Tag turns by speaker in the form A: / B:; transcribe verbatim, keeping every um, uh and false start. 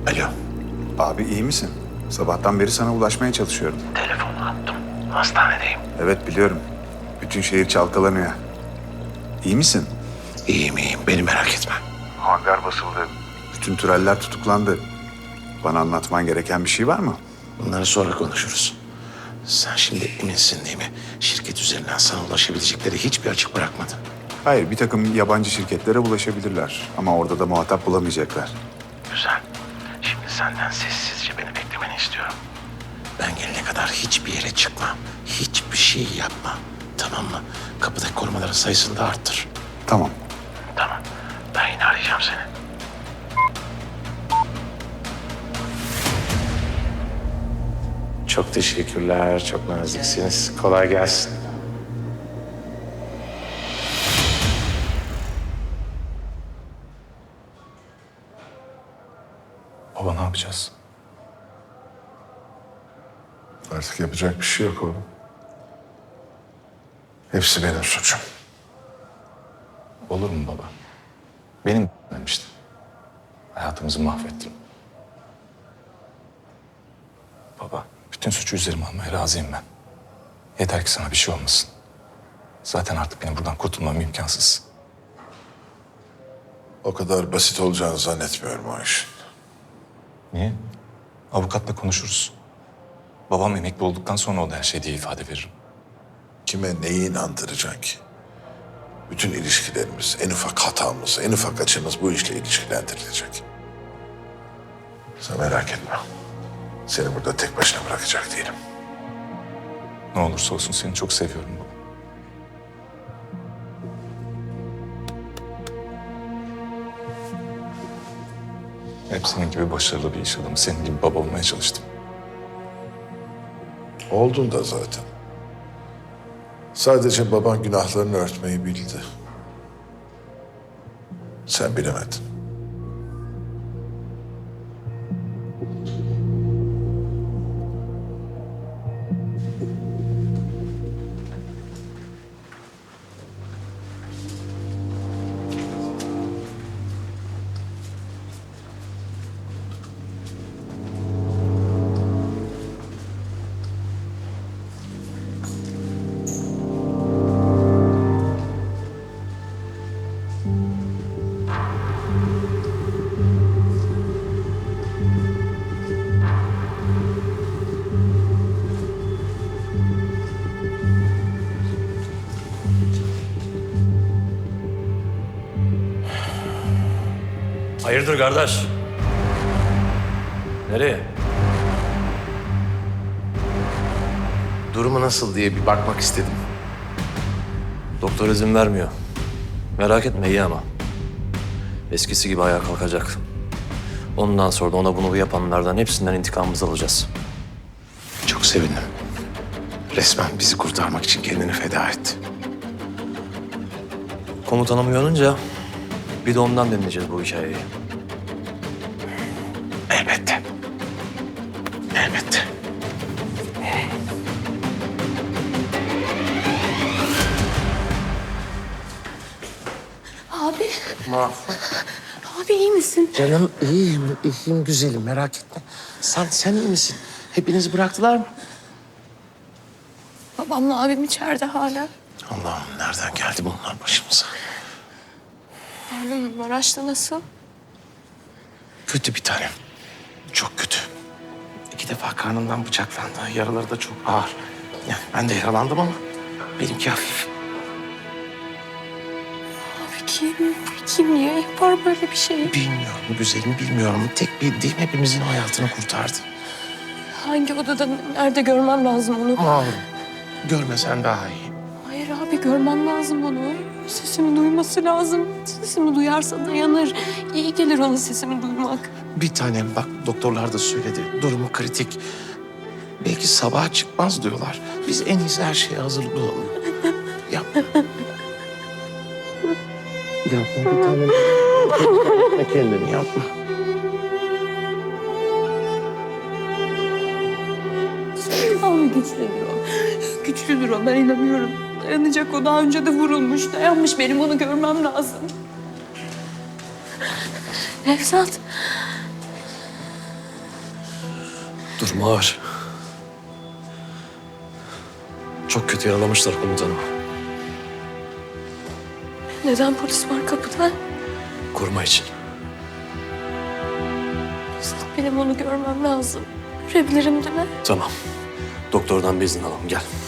A: Alo.
B: Abi iyi misin? Sabahtan beri sana ulaşmaya çalışıyorum.
A: Telefonu attım. Hastanedeyim.
B: Evet biliyorum. Bütün şehir çalkalanıyor. İyi misin?
A: İyiyim iyiyim. Beni merak etme.
B: Hangar basıldı. Bütün türeller tutuklandı. Bana anlatman gereken bir şey var mı?
A: Bunları sonra konuşuruz. Sen şimdi eminsin değil mi? Şirket üzerinden sana ulaşabilecekleri hiçbir açık bırakmadın.
B: Hayır, bir takım yabancı şirketlere ulaşabilirler. Ama orada da muhatap bulamayacaklar.
A: Güzel. Şimdi senden sessizce beni beklemeni istiyorum. Ben gelene kadar hiçbir yere çıkma. Hiçbir şey yapma. Tamam mı? Kapıdaki korumaların sayısını da arttır.
B: Tamam.
A: Tamam. Ben yine arayacağım seni. Çok teşekkürler. Çok naziksiniz. Kolay gelsin.
C: Baba ne yapacağız?
D: Artık yapacak bir şey yok oğlum. Hepsi benim suçum.
C: Olur mu baba? Benim demiştim. Hayatımızı mahvettim. Baba, bütün suçu üzerime almaya razıyım ben. Yeter ki sana bir şey olmasın. Zaten artık benim buradan kurtulmam imkansız.
D: O kadar basit olacağını zannetmiyorum o işin.
C: Niye? Avukatla konuşuruz. Babam emekli olduktan sonra o da her şey diye ifade veririm.
D: Kime neyi inandıracaksın ki? Bütün ilişkilerimiz, en ufak hatamız, en ufak açımız bu işle ilişkilendirilecek. Sen merak etme. Seni burada tek başına bırakacak değilim.
C: Ne olursa olsun seni çok seviyorum baba. Hep senin gibi başarılı bir iş adamı, senin gibi baba olmaya çalıştım.
D: Oldun da zaten. Sadece baban günahlarını örtmeyi bildi. Sen bilemedin.
E: Hayırdır kardeş? Nereye?
A: Durumu nasıl diye bir bakmak istedim.
E: Doktor izin vermiyor. Merak etme iyi ama. Eskisi gibi ayağa kalkacak. Ondan sonra da ona bunu yapanlardan hepsinden intikamımızı alacağız.
A: Çok sevindim. Resmen bizi kurtarmak için kendini feda etti.
E: Komutanım uyanınca bir de ondan dinleyeceğiz bu hikayeyi.
A: Elbette. Elbette.
F: Abi,
A: Mahfuz.
F: abi iyi misin?
A: Canım iyiyim, iyiyim güzelim merak etme. Sen, sen iyi misin? Hepinizi bıraktılar mı?
F: Babamla abim içeride hala.
A: Allah'ım nereden geldi bunlar başımıza?
F: Oğlum Maraş'ta nasıl?
A: Kötü bir tanem. Çok kötü. İki defa karnından bıçaklandı. Yaraları da çok ağır. Yani ben de yaralandım ama benimki hafif.
F: Abi kim? Kim niye yapar böyle bir şey?
A: Bilmiyorum güzelim bilmiyorum. Tek bildiğim hepimizin hayatını kurtardı.
F: Hangi odada, nerede görmem lazım onu?
A: Mağlurum. Görmesen daha iyi.
F: Hayır abi görmem lazım onu. Sesimi duyması lazım. Sesimi duyarsa dayanır. İyi gelir ona sesimi duymak.
A: Bir tanem bak doktorlar da söyledi. Durumu kritik. Belki sabaha çıkmaz diyorlar. Biz en iyisi her şeye hazırlıklı olalım. Yapma. Yapma bir tanem. Yapma kendini yapma.
F: Abi güçlüdür o. Güçlüdür o ben inanıyorum. Dayanacak o daha önce de vurulmuş. Dayanmış benim onu görmem lazım. Nevzat.
E: Durumu ağır. Çok kötü yaralamışlar komutanım.
F: Neden polis var kapıda?
E: Koruma için.
F: Benim onu görmem lazım. Görebilirim değil mi?
E: Tamam. Doktordan bir izin alalım. Gel.